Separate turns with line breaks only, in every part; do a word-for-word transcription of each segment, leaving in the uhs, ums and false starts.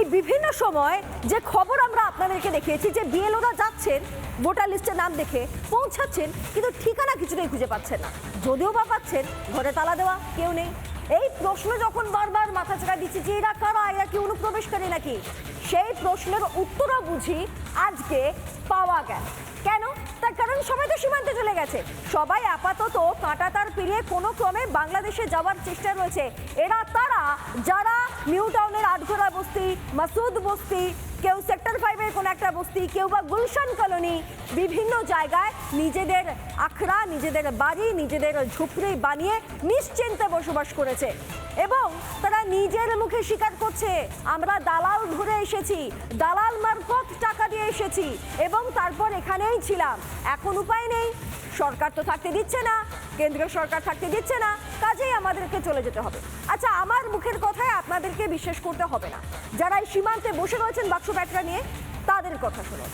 বিভিন্ন সময় যে খবর আমরা আপনাদেরকে দেখিয়েছি যে বিএলওরা যাচ্ছেন ভোটার লিস্টের নাম দেখে পৌঁছাচ্ছেন, কিন্তু ঠিকানা কিছুতেই খুঁজে পাচ্ছেন না। যদিও বা পাচ্ছেন, ঘরে তালা দেওয়া, কেউ নেই। এই প্রশ্ন যখন বারবার মাথা চাড়া দিচ্ছে যে এরা কারা, এরা কি অনুপ্রবেশকারী নাকি, সেই প্রশ্নের উত্তরও বুঝি আজকে পাওয়া গেল। কেন? তার কারণ সবাই তো সীমান্তে চলে গেছে, সবাই আপাতত কাঁটাতার পেরিয়ে কোনো ক্রমে বাংলাদেশে যাওয়ার চেষ্টা রয়েছে। এরা তারা যারা নিউ টাউনের আটঘোড়া বস্তি, মাসুদ বস্তি, কেউ সেক্টর ফাইভের কোনো একটা বস্তি, কেউ বা গুলশান কলোনি, বিভিন্ন জায়গায় নিজেদের আখড়া, নিজেদের বাড়ি, নিজেদের ঝুপড়ি বানিয়ে নিশ্চিন্তে বসবাস করেছে এবং তারা নিজের মুখে স্বীকার করছে আমরা দালাল ধরে এসেছি, দালাল মারফত টাকা দিয়ে এসেছি এবং তারপর এখানেই ছিলাম। এখন উপায় নেই, সরকার তো থাকতে দিচ্ছে না, কেন্দ্রীয় সরকার থাকতে দিচ্ছে না, কাজেই আমাদেরকে চলে যেতে হবে। আচ্ছা, আমার মুখের কথায় আপনাদেরকে বিশ্বাস করতে হবে না, যারা এই সীমান্তে বসে রয়েছেন বাক্স ব্যাটরা নিয়ে, তাদের কথা শুনুন।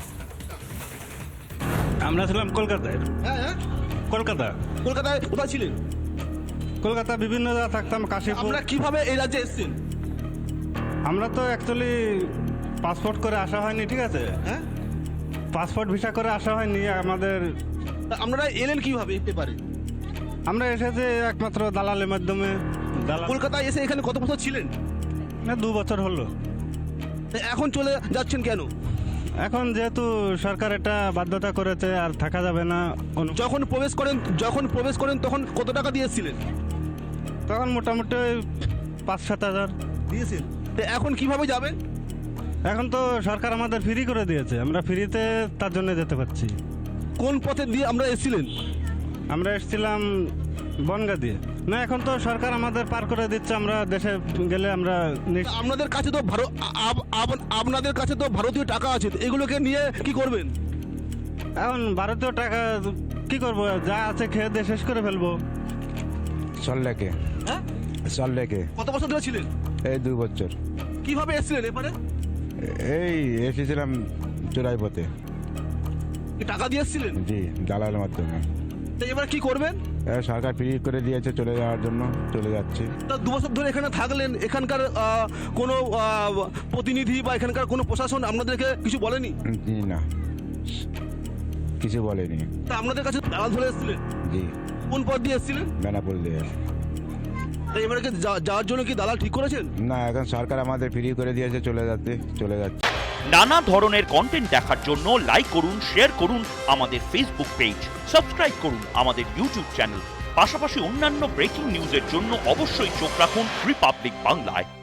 আমরা ছিলাম কলকাতায়।
হ্যাঁ হ্যাঁ
কলকাতা।
কলকাতায় কোথায় ছিলেন?
কলকাতা বিভিন্ন জায়গায় থাকতাম, কাশীপুর।
আমরা কিভাবে এই রাজ্যে এসেছেন?
আমরা তো অ্যাকচুয়ালি পাসপোর্ট করে আসা হয়নি, ঠিক আছে?
হ্যাঁ,
পাসপোর্ট ভিসা করে আসা হয়নি আমাদের।
তা আপনারা এলেন কিভাবে এই পেপারে?
আমরা এসেছি একমাত্র দালালের মাধ্যমে। দালাল
কলকাতায় এসে এখানে কত বছর ছিলেন?
না, দু বছর হলো।
তা এখন চলে যাচ্ছেন কেন?
এখন যেহেতু সরকার এটা বাধ্যতা করেছে, আর থাকা যাবে না। অনু-
যখন প্রবেশ করেন যখন প্রবেশ করেন তখন কত টাকা দিয়ে এসেছিলেন?
তখন মোটামুটি ওই পাঁচ সাত হাজার
দিয়েছেন। তা এখন কিভাবে যাবেন?
এখন তো সরকার আমাদের ফ্রি করে দিয়েছে, আমরা ফ্রিতে তার জন্য যেতে পারছি।
কোন পথে দিয়ে আমরা এসেছিলেন?
আমরা এসেছিলাম বনগা দিয়ে। না, এখন তো সরকার আমাদের পার করে দিচ্ছে, আমরা দেশে গেলে আমরা নিশ-
তা আপনাদের কাছে তো ভারত আপ- আপ- আপনাদের কাছে তো ভারতীয় টাকা আছে, তো এগুলোকে নিয়ে কি করবেন?
এখন ভারতীয় টাকা কি করব, যা আছে খেয়ে দিয়ে শেষ করে ফেলবো।
সল্লেকে
হ্যাঁ,
সল্লেকে
কত বছর ধরে ছিলেন?
এই দুই বছর।
কিভাবে এসেছিলেন এবারে?
এই এসেছিলাম চোরাই পথে।
কি টাকা দিয়ে এসেছিলেন?
জি, দালালের মাধ্যমে।
তা এবার কি করবেন?
এ, সরকার ফ্রি করে দিয়েছে, চলে যাওয়ার জন্য চলে যাচ্ছি।
তা দু বছর ধরে এখানে থাকলেন, এখানকার আহ, কোনো আহ, প্রতিনিধি বা এখানকার কোনো প্রশাসন আপনাদেরকে কিছু বলেনি?
জি না, কিছু বলেনি।
তা আপনাদের কাছে দালাল ধরে এসেছিলেন?
জি,
কোন পথ দিয়ে এসেছিলেন?
বেনাপুর দিয়ে।
তা এবারে কি যা- যাওয়ার জন্য কি দালাল ঠিক করেছেন?
না, এখন সরকার আমাদের ফ্রি করে দিয়েছে, চলে যাচ্ছে চলে যাচ্ছে।
নানা ধরনের কন্টেন্ট দেখার জন্য লাইক করুন, শেয়ার করুন আমাদের ফেসবুক পেজ, সাবস্ক্রাইব করুন আমাদের ইউটিউব চ্যানেল। পাশাপাশি অন্যান্য ব্রেকিং নিউজের জন্য অবশ্যই চোখ রাখুন রিপাবলিক বাংলায়।